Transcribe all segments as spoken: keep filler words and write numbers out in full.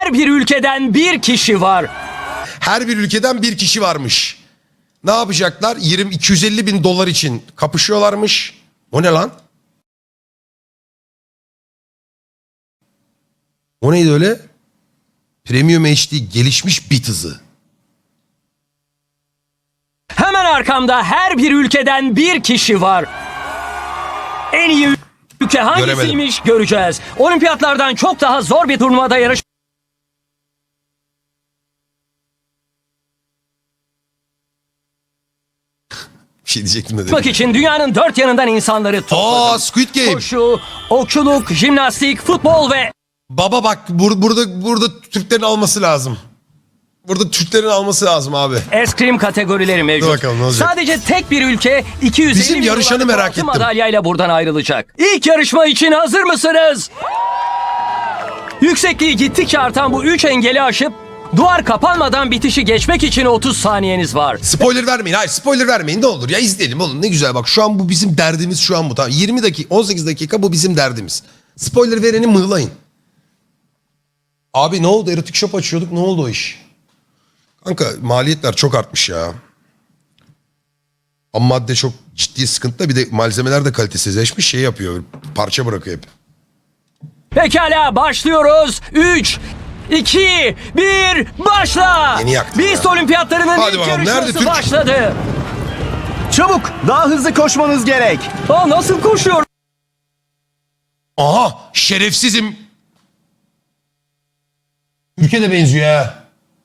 Her bir ülkeden bir kişi var. Her bir ülkeden bir kişi varmış. Ne yapacaklar? yirmi iki yüz elli bin dolar için kapışıyorlarmış. O ne lan? O neydi öyle? Premium H D gelişmiş bit hızı. Hemen arkamda her bir ülkeden bir kişi var. En iyi ülke hangisiymiş göreceğiz. Olimpiyatlardan çok daha zor bir turnuvada yarış. Bir şey diyecektim de dedim. Yapmak için dünyanın dört yanından insanları topladım. Aa, Squid Game. Koşu, okçuluk, jimnastik, futbol ve Baba bak bur burada burada Türklerin alması lazım. Burada Türklerin alması lazım abi. eskrim kategorileri mevcut. Dur bakalım ne olacak. Sadece tek bir ülke iki yüz elli Bizim bin yarışanı dolarlık merak altın ettim. madalyayla buradan ayrılacak. İlk yarışma için hazır mısınız? Yüksekliği gittikçe artan bu üç engeli aşıp duvar kapanmadan bitişi geçmek için otuz saniyeniz var. Spoiler vermeyin. Hayır spoiler vermeyin ne olur ya izleyelim oğlum ne güzel bak şu an bu bizim derdimiz şu an bu tamam. yirmi dakika on sekiz dakika bu bizim derdimiz. Spoiler vereni mığlayın. Abi ne oldu erotik shop açıyorduk ne oldu o iş? Kanka maliyetler çok artmış ya. Ama madde çok ciddi sıkıntı bir de malzemeler de kalitesizleşmiş şey yapıyor parça bırakıyor hep. Pekala başlıyoruz. üç, iki, bir başla. Yeni yaktın Beast ya. Olimpiyatlarının Hadi ilk bakalım, nerede yarışması Türk? başladı. Çabuk, daha hızlı koşmanız gerek. Aa, nasıl koşuyor? Aha şerefsizim. Ülke de benziyor ha.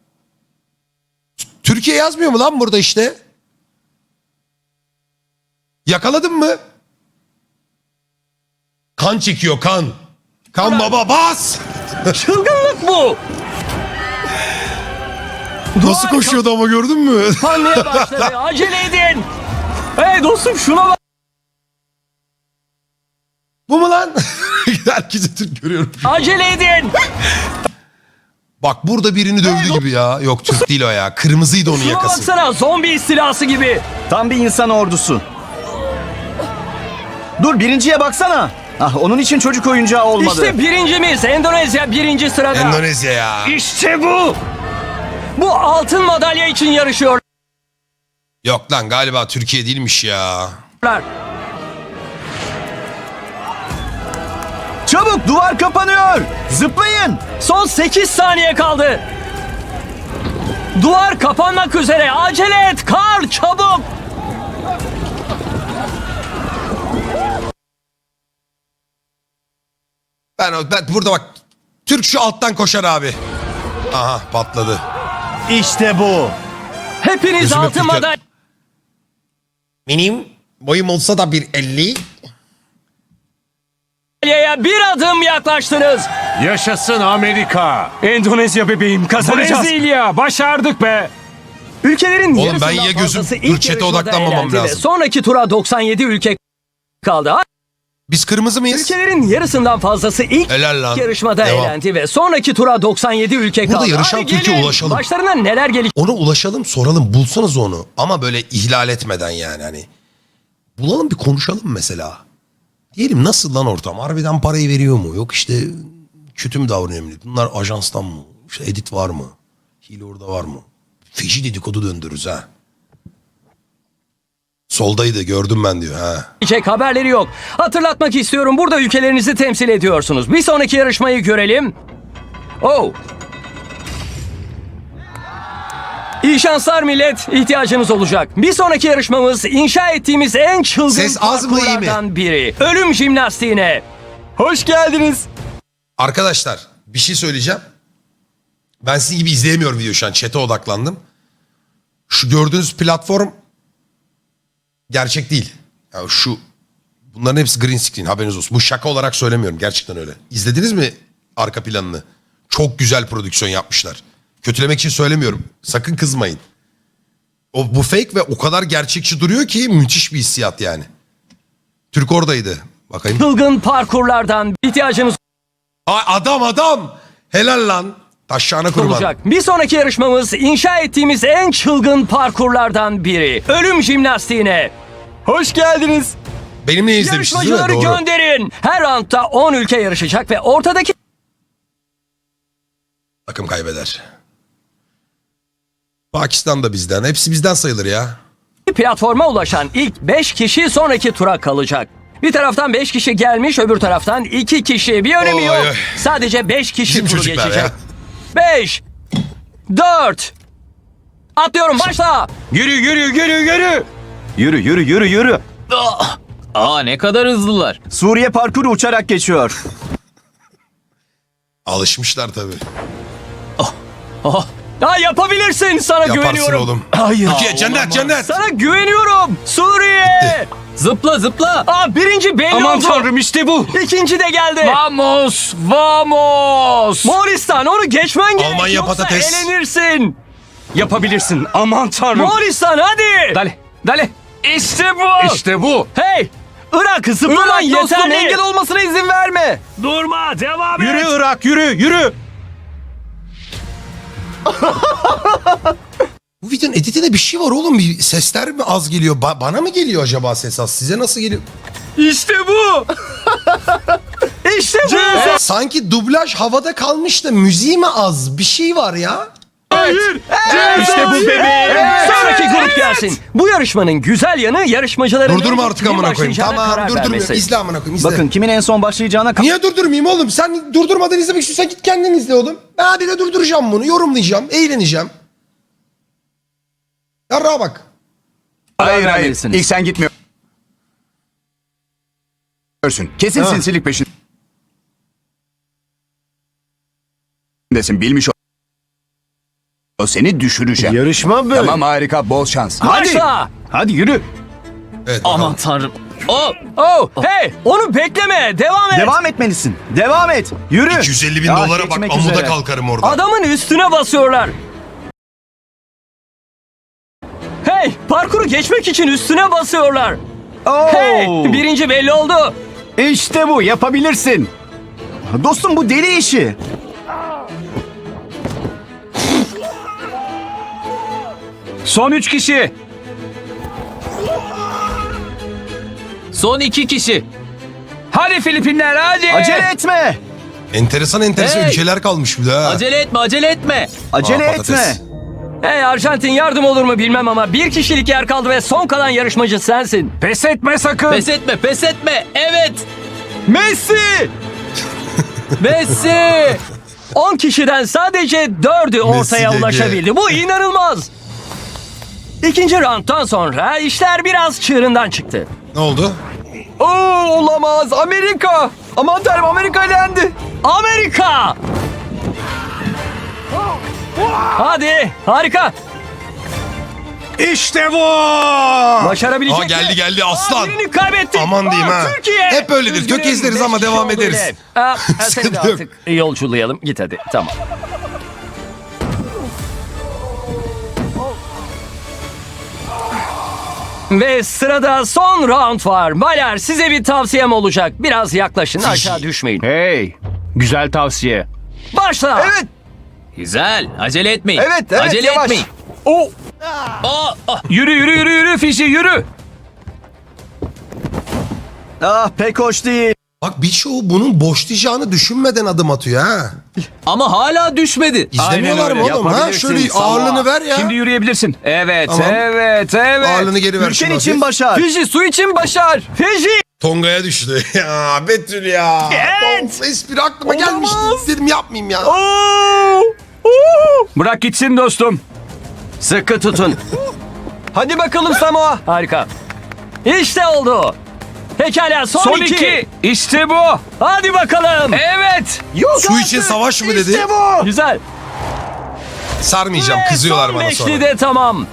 Türkiye yazmıyor mu lan burada işte? Yakaladın mı? Kan çekiyor kan. Kan baba bas. Çılgınlık bu. Nasıl koşuyordu ama gördün mü? Kapanmaya başladı. Acele edin. Hey dostum şuna bak. Bu mu lan? Herkese Türk görüyorum. Acele edin. Bak burada birini dövdü gibi ya. Yok Türk değil o ya. Kırmızıydı onun Şuna yakası. baksana zombi istilası gibi. Tam bir insan ordusu. Dur, birinciye baksana. Ah, onun için çocuk oyuncağı olmadı. İşte birincimiz Endonezya birinci sırada. Endonezya ya. İşte bu. Bu altın madalya için yarışıyorlar. Yok lan galiba Türkiye değilmiş ya. Çabuk, duvar kapanıyor. Zıplayın. Son sekiz saniye kaldı. Duvar kapanmak üzere. Acele et Karl çabuk. Ben, ben burada bak. Türk şu alttan koşar abi. Aha patladı. İşte bu. Hepiniz Gözüme altın fikir- madalya. Benim boyum olsa da bir elli. Madalyaya bir adım yaklaştınız. Yaşasın Amerika. Endonezya bebeğim kazanacağız. Brezilya başardık be. Ülkelerin Oğlum yarısından ben ya gözüm- fazlası dur, ilk chat'e yarışmada odaklanmamam elendi ve lazım. sonraki tura doksan yedi ülke kaldı. Biz kırmızı mıyız? Ülkelerin yarısından fazlası ilk Helal lan. yarışmada Devam. elendi ve sonraki tura doksan yedi ülke Burada kaldı. yarışan Hadi Türkiye gelin. ulaşalım. Başlarına neler gelecek? Ona ulaşalım soralım bulsanız onu. Ama böyle ihlal etmeden yani hani. Bulalım bir konuşalım mesela. Diyelim nasıl lan ortam? Harbiden parayı veriyor mu? Yok işte kötü mü davranıyor millet? Bunlar ajanstan mı? İşte edit var mı? Hile orada var mı? Feci dedikodu döndürürüz ha. Soldaydı gördüm ben diyor ha. Haberleri yok. Hatırlatmak istiyorum burada ülkelerinizi temsil ediyorsunuz. Bir sonraki yarışmayı görelim. Oh. İyi şanslar millet. İhtiyacınız olacak. Bir sonraki yarışmamız inşa ettiğimiz en çılgın Ses az mı, iyi mi? parkurlardan biri. Ölüm jimnastiğine. Hoş geldiniz. Arkadaşlar bir şey söyleyeceğim. Ben sizin gibi izleyemiyorum video şu an. Chat'e odaklandım. Şu gördüğünüz platform gerçek değil. Ya şu bunların hepsi green screen haberiniz olsun. Bu şaka olarak söylemiyorum. Gerçekten öyle. İzlediniz mi arka planını? Çok güzel prodüksiyon yapmışlar. Kötülemek için söylemiyorum. Sakın kızmayın. O, bu fake ve o kadar gerçekçi duruyor ki müthiş bir hissiyat yani. Türk oradaydı. Bakayım. Çılgın parkurlardan ihtiyacınız Ay adam adam. Helal lan. Taşağına kurban. olacak. Bir sonraki yarışmamız inşa ettiğimiz en çılgın parkurlardan biri. Ölüm jimnastiğine. Hoş geldiniz. Benimle izlemiştiniz değil mi? Yarışmacıları Doğru. gönderin. Her roundda on ülke yarışacak ve ortadaki Takım kaybeder. Pakistan da bizden. Hepsi bizden sayılır ya. Platforma ulaşan ilk beş kişi sonraki tura kalacak. Bir taraftan beş kişi gelmiş, öbür taraftan iki kişi. Bir önemi Oy, yok. oy. Sadece beş kişi Bizim turu çocuklar geçecek. ya. beş, dört, atlıyorum, başla. Yürü yürü yürü yürü. Yürü yürü yürü yürü. Aa ne kadar hızlılar. Suriye parkuru uçarak geçiyor. Alışmışlar tabii. Ha, yapabilirsin, sana Yaparsın güveniyorum. oğlum. Hayır. Türkiye cennet cennet. Sana güveniyorum. Suriye. Zıpla zıpla. Aa, birinci belli Aman oldu. tanrım işte bu. İkinci de geldi. Vamos, vamos. Moğolistan, onu geçmen gerek. Almanya yoksa patates. elenirsin. Yapabilirsin. Aman tanrım. Moğolistan, hadi. Dale dale. İşte bu. İşte bu. Hey! Irak, zıplaman Irak dostum, yeterli. engel olmasına izin verme. Durma, devam et. Yürü Irak yürü yürü. Bu videonun editinde bir şey var oğlum. Bir sesler mi az geliyor? Ba- bana mı geliyor acaba ses az? Size nasıl geliyor? İşte bu. İşte bu. Sanki dublaj havada kalmış da müziği mi az? Bir şey var ya. Hayır. İşte bu bebeğim. Sonraki grup gelsin. Bu yarışmanın güzel yanı yarışmacıların... Durdurma artık kimin amına koyayım. başlayacağına Tamam karar durdurmuyorum. vermesi. İzle amına koyayım izle. Bakın kimin en son başlayacağına ka- Niye durdurmayayım oğlum? Sen durdurmadan izlemek istiyorsan git kendin izle oğlum. Ben bir de durduracağım bunu. Yorumlayacağım. Eğleneceğim. Yarrağa bak. Hayır hayır. vermelisiniz. İlk sen gitmiyorsun. Kesin sinsilik peşindesin. Bilmiş ol. O seni düşüreceğim. Yarışma böyle. Tamam harika, bol şans. Başla. Hadi yürü. Evet. Aman bakalım. tanrım. Oh, Oh, hey, onu bekleme. Devam et. Devam etmelisin. Devam et. Yürü. iki yüz elli bin Ya, dolara bak. geçmek Amuda üzere. kalkarım orada. Adamın üstüne basıyorlar. Hey, parkuru geçmek için üstüne basıyorlar. Oo. Hey, birinci belli oldu. İşte bu, yapabilirsin. Dostum bu deli işi. Son üç kişi. son iki kişi. Hadi Filipinler hadi. Acele etme. Enteresan enteresan Hey! ülkeler kalmış bir daha. Acele etme, acele etme. Acele Aa, etme. patates. Hey Arjantin, yardım olur mu bilmem ama bir kişilik yer kaldı ve son kalan yarışmacı sensin. Pes etme sakın. Pes etme, pes etme. Evet. Messi. Messi. on kişiden sadece dördü ortaya dedi. ulaşabildi. Bu inanılmaz. İkinci round'dan sonra işler biraz çığırından çıktı. Ne oldu? Oo, olamaz. Amerika. Aman tanrım, Amerika elendi. Amerika! Hadi, harika. İşte bu. Başarabilecek Aa, geldi mi? geldi Aa, aslan. birini kaybettik. Aman diyeyim Aa, ha. Türkiye. Hep öyledir. Üzgünüm, Tökezleriz ama beş devam kişi oldu ederiz. bile. Aa, seni de Sıkıntı yok. artık yolculayalım. Git hadi. Tamam. Ve sırada son round var. Baylar, size bir tavsiyem olacak. Biraz yaklaşın, aşağı düşmeyin. Hey. Güzel tavsiye. Başla. Evet. Güzel. Acele etmeyin. Evet, evet, Acele yavaş. etmeyin. O. Aa, ah. Yürü yürü yürü yürü Fişi yürü. Ah, pek hoş değil. Bak birçoğu bunun boşlayacağını düşünmeden adım atıyor ha. Ama hala düşmedi. İzlemiyorlar mı öyle, oğlum ha? yapabilirsin. Şöyle Sağ ol. ağırlığını ver ya. Şimdi yürüyebilirsin. Evet Tamam. evet evet. Ağırlığını geri ver. Ülken şuna için hafif. başar. Fiji su için başar. Fiji. Tonga'ya düştü. Ya Betül ya. Evet. Of, espri aklıma gelmişti. Dedim yapmayayım ya. Bırak gitsin dostum. Sıkı tutun. Hadi bakalım Samoa. Harika. İşte oldu. Pekala, son, Son iki. iki. İşte bu. Hadi bakalım. Evet. Su için savaş mı dedi? İşte bu. Güzel. Sarmayacağım. Ve Kızıyorlar son bana beşli sonra. de tamam.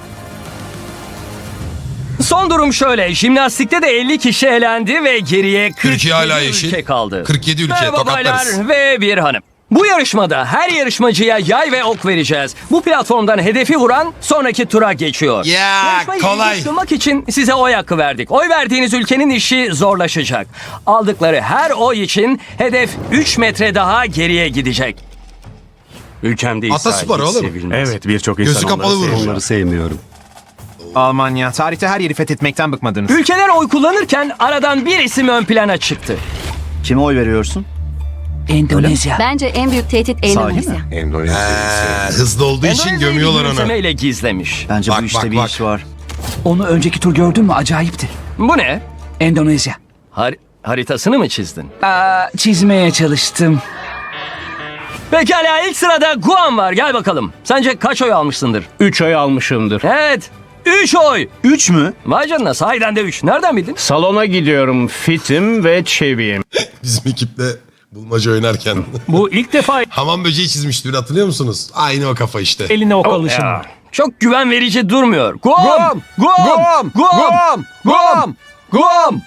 Son durum şöyle. Jimnastikte de elli kişi elendi ve geriye kırk Türkiye hala yedi yeşil. ülke kaldı. kırk yedi ülke Merhaba tokatlarız. baylar ve bir hanım. Bu yarışmada her yarışmacıya yay ve ok vereceğiz. Bu platformdan hedefi vuran sonraki tura geçiyor. Ya Yarışmayı kolay. ilginç kılmak için size oy hakkı verdik. Oy verdiğiniz ülkenin işi zorlaşacak. Aldıkları her oy için hedef üç metre daha geriye gidecek. Ülkemde Ataspor İsrail hiç oğlum. sevilmez. Evet birçok Gözü insan kapalı onları vurur. Onları sevmiyorum. Almanya. Tarihte her yeri fethetmekten bıkmadınız. Ülkeler oy kullanırken aradan bir isim ön plana çıktı. Kime oy veriyorsun? Endonezya. Bence en büyük tehdit Endonezya. Endonezya. Ee, hızlı olduğu için Endonezya'yı gömüyorlar bir onu. gülümsemeyle gizlemiş. Bence Bak, bu işte bak, bir bak. iş var. Onu önceki tur gördün mü? Acayipti. Bu ne? Endonezya. Har- haritasını mı çizdin? Aa, çizmeye çalıştım. Pekala, ilk sırada Guam var. Gel bakalım. Sence kaç oy almışsındır? Üç ay almışımdır. Evet. Üç oy. Üç mü? Vay canına, sahiden de üç. Nereden bildin? Salona gidiyorum. Fitim ve çeviyim. Bizim ekiple bulmaca oynarken. Bu ilk defa Hamam böceği çizmişti hatırlıyor musunuz? Aynı o kafa işte. eline ok alışın. Çok güven verici durmuyor. Guam! Guam! Guam! Guam! Guam! Guam! Guam!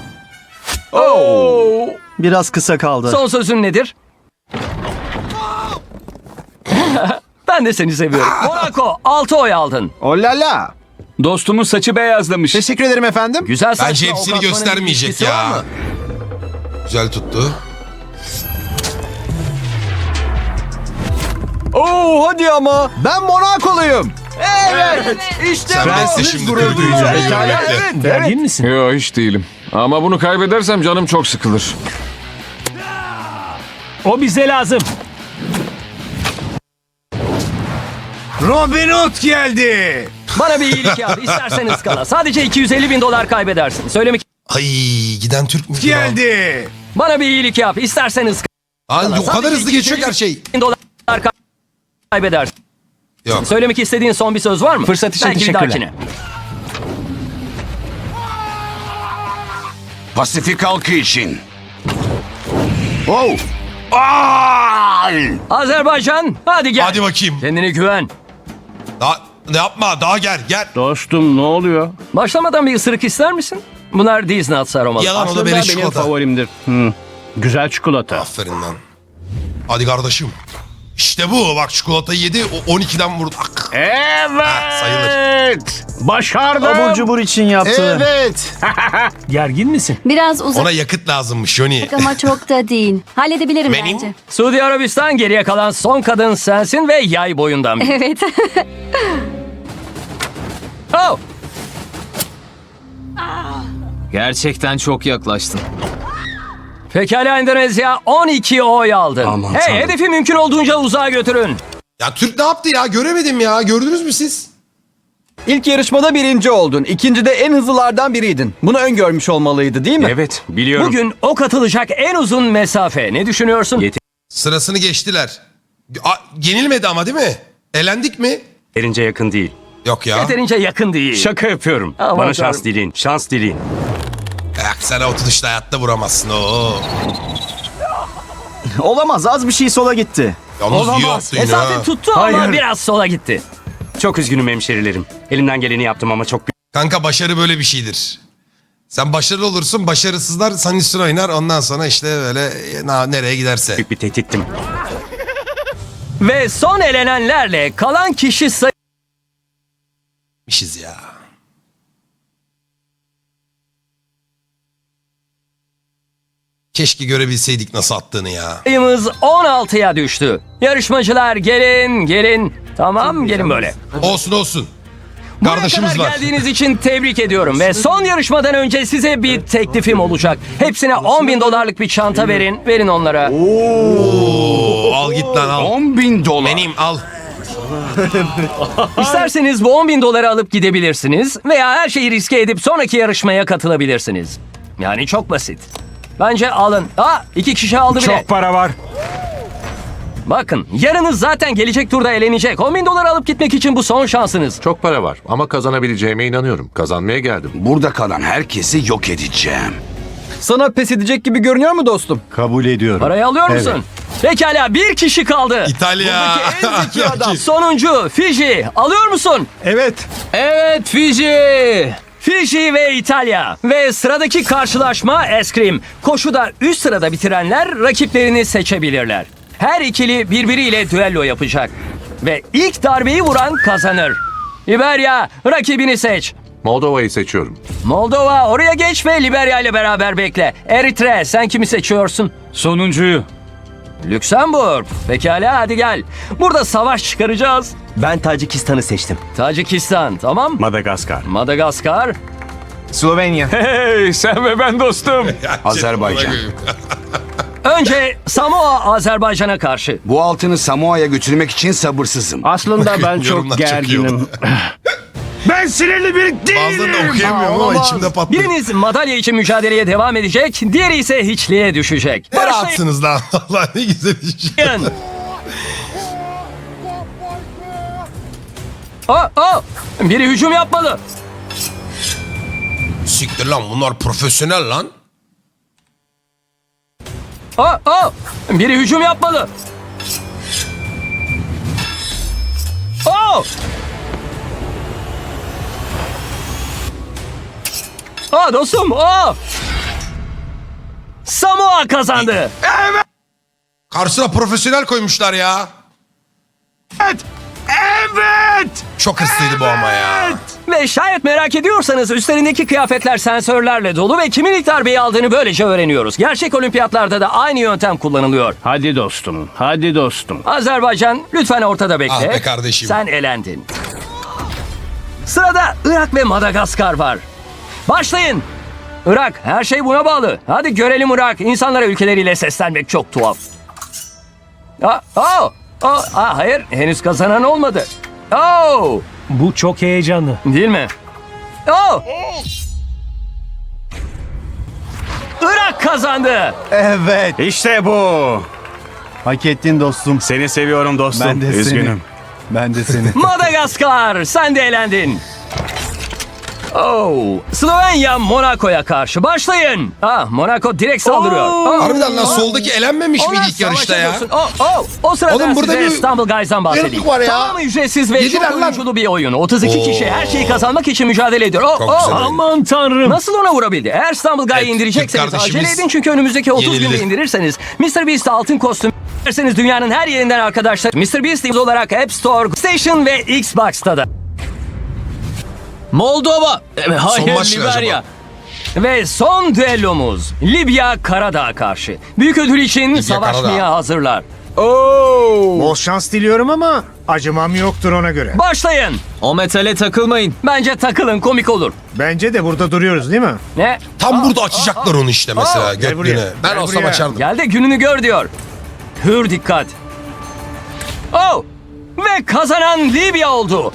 Oo! Biraz kısa kaldı. Son sözün nedir? Ben de seni seviyorum. Monaco altı oy aldın. Olala. Dostumun saçı beyazlamış. Teşekkür ederim efendim. Güzel saçla Bence ok hepsini atmanın bir göstermeyecek ilişkisi var ya. mı? Güzel tuttu. Oo hadi ama. Ben Monakoluyum. Evet. İşte Sen bu. de şimdi Gurur gurur duyacağım. duyacaksın. Pekala, Bekle. evet. Gergin misin? Yo, hiç değilim. Ama bunu kaybedersem canım çok sıkılır. O bize lazım. Robin Hood geldi. Bana bir iyilik yap. İstersen ıskala. Sadece iki yüz elli bin dolar kaybedersin. Söylemek... Ay giden Türk mü? Geldi. Bana bir iyilik yap. İstersen ıskala. Ay, o kadar Sadece hızlı geçiyor ki her şey. bin dolar kaybedersin. Yok. Söylemek istediğin son bir söz var mı? Fırsat için Belki bir teşekkürler. dahakine. Pasifik halkı için. Azerbaycan, hadi gel. Hadi bakayım. Kendine güven. Daha, ne yapma daha gel gel. Dostum ne oluyor? Başlamadan bir ısırık ister misin? Bunlar Disney atsı aromalı. Yalan o da Aslında benim benim çikolata. favorimdir. Hı. Güzel çikolata. Aferin lan. Hadi kardeşim. İşte bu bak çikolatayı yedi o on ikiden vurdu. Ak. Evet. Ha, sayılır. Başardım. Abur cubur için yaptı. Evet. Gergin misin? Biraz uzak Ona yakıt lazımmış Johnny. ama çok da değil. Halledebilirim Benim? bence. Suudi Arabistan, geriye kalan son kadın sensin ve yay boyundan biri. Evet. Oh! Gerçekten çok yaklaştın. Pekala Endonezya, on iki oy aldı. Aman Hey, tanrım. hedefi mümkün olduğunca uzağa götürün. Ya Türk ne yaptı ya göremedim ya gördünüz mü siz? İlk yarışmada birinci oldun. İkincide en hızlılardan biriydin. Bunu öngörmüş olmalıydı değil mi? Evet biliyorum. Bugün ok atılacak en uzun mesafe. Ne düşünüyorsun? Sırasını geçtiler. A, yenilmedi ama değil mi? Elendik mi? Yeterince yakın değil. Yok ya. Yeterince yakın değil. Şaka yapıyorum. Aman Bana şans tanrım. dileyin. Şans dileyin. Yak sen o tutuşta hayatta vuramazsın o. Olamaz. Az bir şey sola gitti. Yalnız iyi yaptı yine Mesafe ha. tuttu ama Hayır. biraz sola gitti. Çok üzgünüm hemşerilerim. Elimden geleni yaptım ama çok Kanka başarı böyle bir şeydir. Sen başarılı olursun, başarısızlar senin üstüne oynar. Ondan sonra işte böyle e, na- nereye giderse. büyük bir tehdittim. Ve son elenenlerle kalan kişi Mişiz ya. Keşke görebilseydik nasıl attığını ya. sayımız on altıya düştü. Yarışmacılar gelin gelin. Tamam gelin böyle. Olsun olsun. Buraya Kardeşimiz kadar var. geldiğiniz için tebrik ediyorum. Ve son yarışmadan önce size bir teklifim olacak. Hepsine on bin dolarlık bir çanta verin. Verin onlara. Oo, al git lan al. on bin dolar. Benim al. İsterseniz bu on bin doları alıp gidebilirsiniz. Veya her şeyi riske edip sonraki yarışmaya katılabilirsiniz. Yani çok basit. Bence alın. Aa, iki kişi aldı bile. Çok para var. Bakın yarınız zaten gelecek turda elenecek. on bin dolar alıp gitmek için bu son şansınız. Çok para var ama kazanabileceğime inanıyorum. Kazanmaya geldim. Burada kalan herkesi yok edeceğim. Sana pes edecek gibi görünüyor mu dostum? Kabul ediyorum. Parayı alıyor musun? Pekala bir kişi kaldı. İtalya. en zeki adam. Sonuncu Fiji. Alıyor musun? Evet. Evet Fiji. Fiji ve İtalya. Ve sıradaki karşılaşma eskrim. Koşuda üst sırada bitirenler rakiplerini seçebilirler. Her ikili birbiriyle düello yapacak. Ve ilk darbeyi vuran kazanır. Liberya, rakibini seç. Moldova'yı seçiyorum. Moldova, oraya geç ve Liberya ile beraber bekle. Eritre, sen kimi seçiyorsun? Sonuncuyu. Lüksemburg. Pekala hadi gel. Burada savaş çıkaracağız. Ben Tacikistan'ı seçtim. Tacikistan, tamam. Madagaskar. Madagaskar. Slovenya. Hey sen ve ben dostum. Azerbaycan. Önce Samoa Azerbaycan'a karşı. Bu altını Samoa'ya götürmek için sabırsızım. Aslında ben Yorumlar çok çok iyi oldu. gerginim. Ben sinirli biri Bazılarını da okuyamıyorum ama içimde patladı. Biriniz madalya için mücadeleye devam edecek, diğeri ise hiçliğe düşecek. Ne rahatsınız lan. Allah ne güzel iş. Başlayın. Oh, oh. Biri hücum yapmalı. Siktir lan bunlar profesyonel lan. Oh, oh. Biri hücum yapmalı. Oh. Aa dostum, oh. Samoa kazandı. Karşısına profesyonel koymuşlar ya. Evet! Evet! Çok hırslıydı bu ama ya. Ve şayet merak ediyorsanız üstlerindeki kıyafetler sensörlerle dolu ve kimin ilk darbeyi aldığını böylece öğreniyoruz. Gerçek olimpiyatlarda da aynı yöntem kullanılıyor. Hadi dostum, hadi dostum. Azerbaycan lütfen ortada bekle. Ah be kardeşim. Sen elendin. Sırada Irak ve Madagaskar var. Başlayın. Irak, her şey buna bağlı. Hadi görelim Irak. İnsanlara ülkeleriyle seslenmek çok tuhaf. Aa, oh, oh, aa, hayır, henüz kazanan olmadı. Oh, Bu çok heyecanlı. değil mi? Oh. Irak kazandı. Evet. İşte bu. Hak ettin dostum. Seni seviyorum dostum. Ben de Üzgünüm. seni. Ben de seni. Madagaskar, sen de elendin. Oh, Slovenya Monaco'ya karşı başlayın. Ah, Monaco direkt saldırıyor. Oh. Harbiden lan soldaki elenmemiş Ona miydi ilk yarışta ya? savaş ediyorsun. Oh, oh. O sırada Oğlum burada size bir İstanbul Guys'dan bahsedeyim. yarıklık var ya. Tamamı ücretsiz ve Yediler çok lan. oyunculu bir oyun. otuz iki Oo. kişi her şeyi kazanmak için mücadele ediyor. Oh, Çok oh. güzel oyun. Aman tanrım. Nasıl ona vurabildi? Eğer İstanbul Guy'ı Evet, indirecekseniz Türk kardeşimiz acele edin çünkü önümüzdeki otuz günde yenildi. indirirseniz mister Beast'e altın kostüm derseniz dünyanın her yerinden arkadaşlar mister Beast olarak App Store, Station ve Xbox'ta da. Moldova. E, Hayır, maç ne Liberya. acaba? Ve son düellomuz Libya Karadağ'a karşı. Büyük ödül için savaşmaya Karadağ. hazırlar. Bol şans diliyorum ama acımam yoktur ona göre. Başlayın. O metale takılmayın. Bence takılın, komik olur. Bence de burada duruyoruz değil mi? Ne? Tam burada açacaklar onu işte mesela Gel buraya. götlüğüne. Ben Gel olsam buraya. açardım. Gel de gününü gör diyor. Hür dikkat. Oh! Ve kazanan Libya oldu.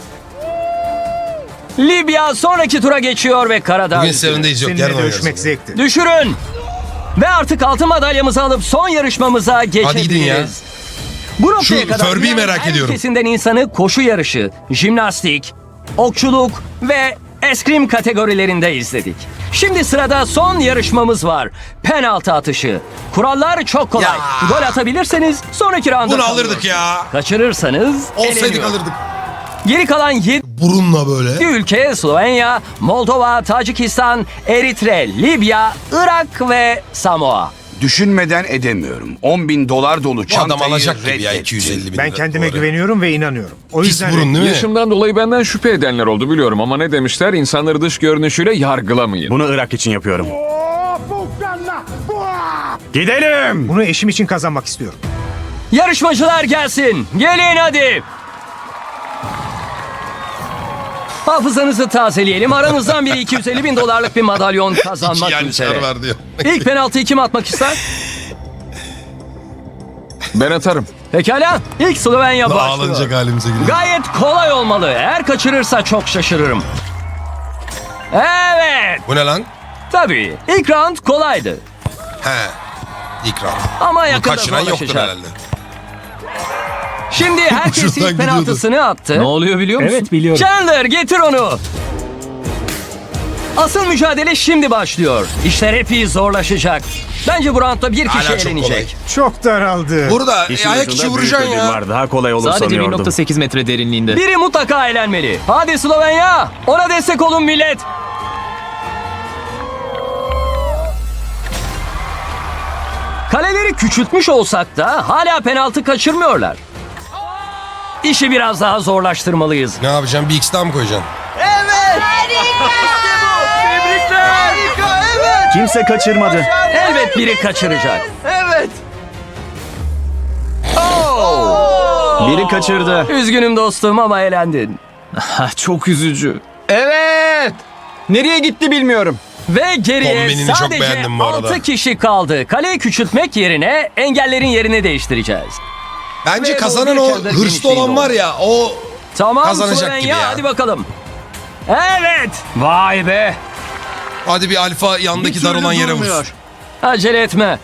Libya sonraki tura geçiyor ve Karadağ Bugün üzgünü. Seven'deyiz yok. Seninle Yarın oynarız. dövüşmek zevkti. Düşürün. Ve artık altın madalyamızı alıp son yarışmamıza geçebiliriz. gidin ya. Bu noktaya Şu kadar Furby'yi dünyanın merak her ediyorum. ülkesinden insanı koşu yarışı, jimnastik, okçuluk ve eskrim kategorilerinde izledik. Şimdi sırada son yarışmamız var. Penaltı atışı. Kurallar çok kolay. Ya. Gol atabilirseniz sonraki rounda Bunu alırdık kalıyorsunuz. ya. Kaçırırsanız Olsaydık eleniyor. alırdık. Geri kalan yedi Burunla böyle. ülke Slovenya, Moldova, Tacikistan, Eritre, Libya, Irak ve Samoa. Düşünmeden edemiyorum. on bin dolar dolu Bu adam çantayı alacak gibi ya reddettim. iki yüz elli bin Ben lira. kendime Doğru. güveniyorum ve inanıyorum. O Pis yüzden burun değil mi? Yaşımdan dolayı benden şüphe edenler oldu biliyorum ama ne demişler? İnsanları dış görünüşüyle yargılamayın. Bunu Irak için yapıyorum. Gidelim. bunu eşim için kazanmak istiyorum. Yarışmacılar gelsin. Gelin hadi. Hafızanızı tazeleyelim. Aranızdan biri iki yüz elli bin dolarlık bir madalyon İki kazanmak yanlışlar üzere. var diyor. İlk penaltıyı kim atmak ister? Ben atarım. Pekala. İlk Slovenya Ağlanacak başlıyor. halimize gidiyor. Gayet kolay olmalı. Eğer kaçırırsa çok şaşırırım. Evet. Bu ne lan? Tabii. İlk round kolaydı. He. İkram. Ama Bunu yakında kaçıran yoktur zorlaşacak. herhalde. Şimdi herkes Ucundan ilk gidiyordu. penaltısını attı. Ne oluyor biliyor musun? Evet biliyorum. Chandler getir onu. Asıl mücadele şimdi başlıyor. İşler epey zorlaşacak. Bence bu roundda bir kişi Hala çok elenecek. Çok daraldı. Burada e, İşin ayak ucunda içi büyük vuracaksın ödül ya. var. Daha kolay olur Sadece bir sanıyordum. nokta sekiz metre derinliğinde. Biri mutlaka elenmeli. Hadi Slovenya. Ona destek olun millet. Kaleleri küçültmüş olsak da hala penaltı kaçırmıyorlar. İşi biraz daha zorlaştırmalıyız. Ne yapacaksın? Bir X daha mı koyacaksın? Kimse kaçırmadı. Elbet biri kaçıracak. Biri kaçırdı. Üzgünüm dostum ama elendin. Ha, çok üzücü. Evet. Nereye gitti bilmiyorum. Ve geriye Kombinini çok sadece beğendim bu arada. altı kişi kaldı. Kaleyi küçültmek yerine engellerin yerini değiştireceğiz. Bence Ve kazanan bu o bir çadır hırslı genişliğinde olan var oldu. ya o Tamam kazanacak Slovenya, gibi ya. hadi bakalım. Evet. Vay be. hadi bir alfa yandaki dar olan yere vursun. Acele etme.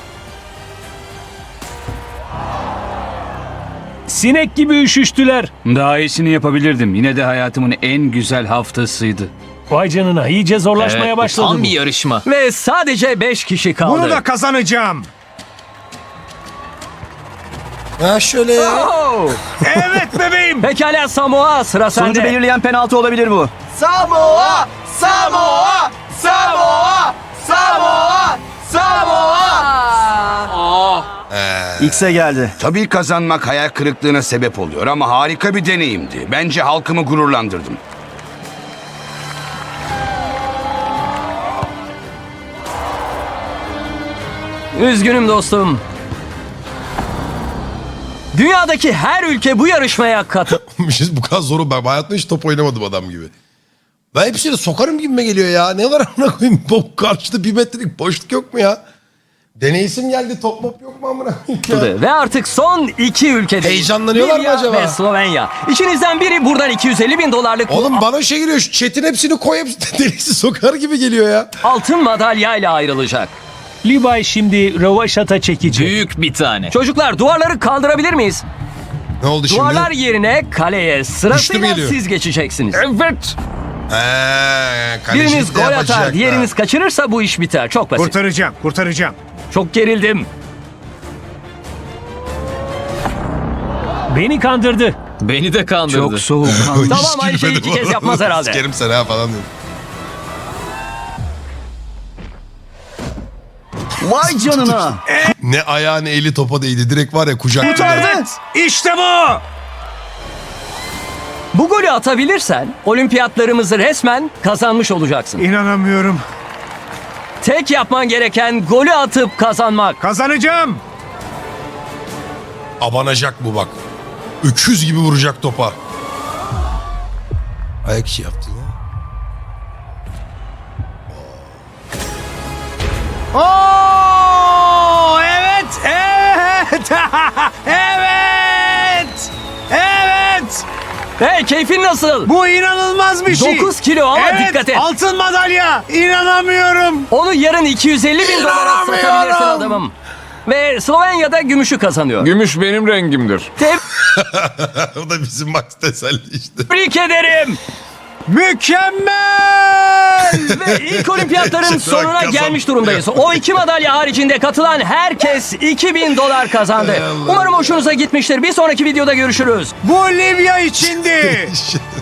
Sinek gibi üşüştüler. Daha iyisini yapabilirdim. Yine de hayatımın en güzel haftasıydı. Vay canına iyice zorlaşmaya başladı Tam bu. bir yarışma. Ve sadece beş kişi kaldı. Bunu da kazanacağım. Ha şöyle ya. Oh! Evet bebeğim. Pekala Samoa, sıra Sonucu sende. belirleyen penaltı olabilir bu. Samoa! Samoa! Samoa! Samoa! Samoa! X'e geldi. Tabii kazanmak hayal kırıklığına sebep oluyor ama harika bir deneyimdi. Bence halkımı gururlandırdım. Üzgünüm dostum. Dünyadaki her ülke bu yarışmaya katıl. Bir şey- bu kadar zoru ben hayatımda hiç top oynamadım adam gibi. Ben hepsini sokarım gibime geliyor ya. Ne var amına koyayım? Bu karşıda bir metrelik boşluk yok mu ya? Deneysim geldi, top mop yok mu amına koyayım ya? Ve artık son iki ülkede. Heyecanlanıyorlar mı acaba? Ve Slovenya. İçinizden biri buradan iki yüz elli bin dolarlık Oğlum bana şey geliyor, şu chat'in hepsini koy, hepsini delisi sokar gibi geliyor ya. altın madalyayla ayrılacak. Levi şimdi rövaşata çekecek. Büyük bir tane. Çocuklar duvarları kaldırabilir miyiz? Ne oldu şimdi? Duvarlar yerine kaleye sırasıyla geliyor. siz geçeceksiniz. Evet. Eee, kalecilik Biriniz de gol yapacak atar, da. diğeriniz kaçırırsa bu iş biter. Çok basit. Kurtaracağım, kurtaracağım. Çok gerildim. Beni kandırdı. Beni de kandırdı. Çok soğuk. Hiç Tamam, aynı şeyi gülmedim iki kez oğlum. yapmaz herhalde. Sikerim seni ha falan diyorum. Vay canına. Ne ayağı ne eli topa değdi. Direkt var ya kucak. Evet, işte bu. Bu golü atabilirsen olimpiyatlarımızı resmen kazanmış olacaksın. İnanamıyorum. Tek yapman gereken golü atıp kazanmak. Kazanacağım. Abanacak bu bak. Öküz gibi vuracak topa. Ayak işi yaptı ya. Oo, evet, evet, evet, evet. Hey, keyfin nasıl? Bu inanılmaz bir şey. dokuz kilo ama evet, dikkat et. altın madalya. İnanamıyorum. Onu yarın iki yüz elli bin dolara satabilirsin adamım. Ve Slovenya'da gümüşü kazanıyor. Gümüş benim rengimdir. O da bizim Max teselli işte. Tebrik ederim. Mükemmel. Ve ilk olimpiyatların Şuna sonuna kazan- gelmiş durumdayız. O iki madalya haricinde katılan herkes iki bin dolar kazandı. Umarım hoşunuza gitmiştir. Bir sonraki videoda görüşürüz. Bu Libya içindi.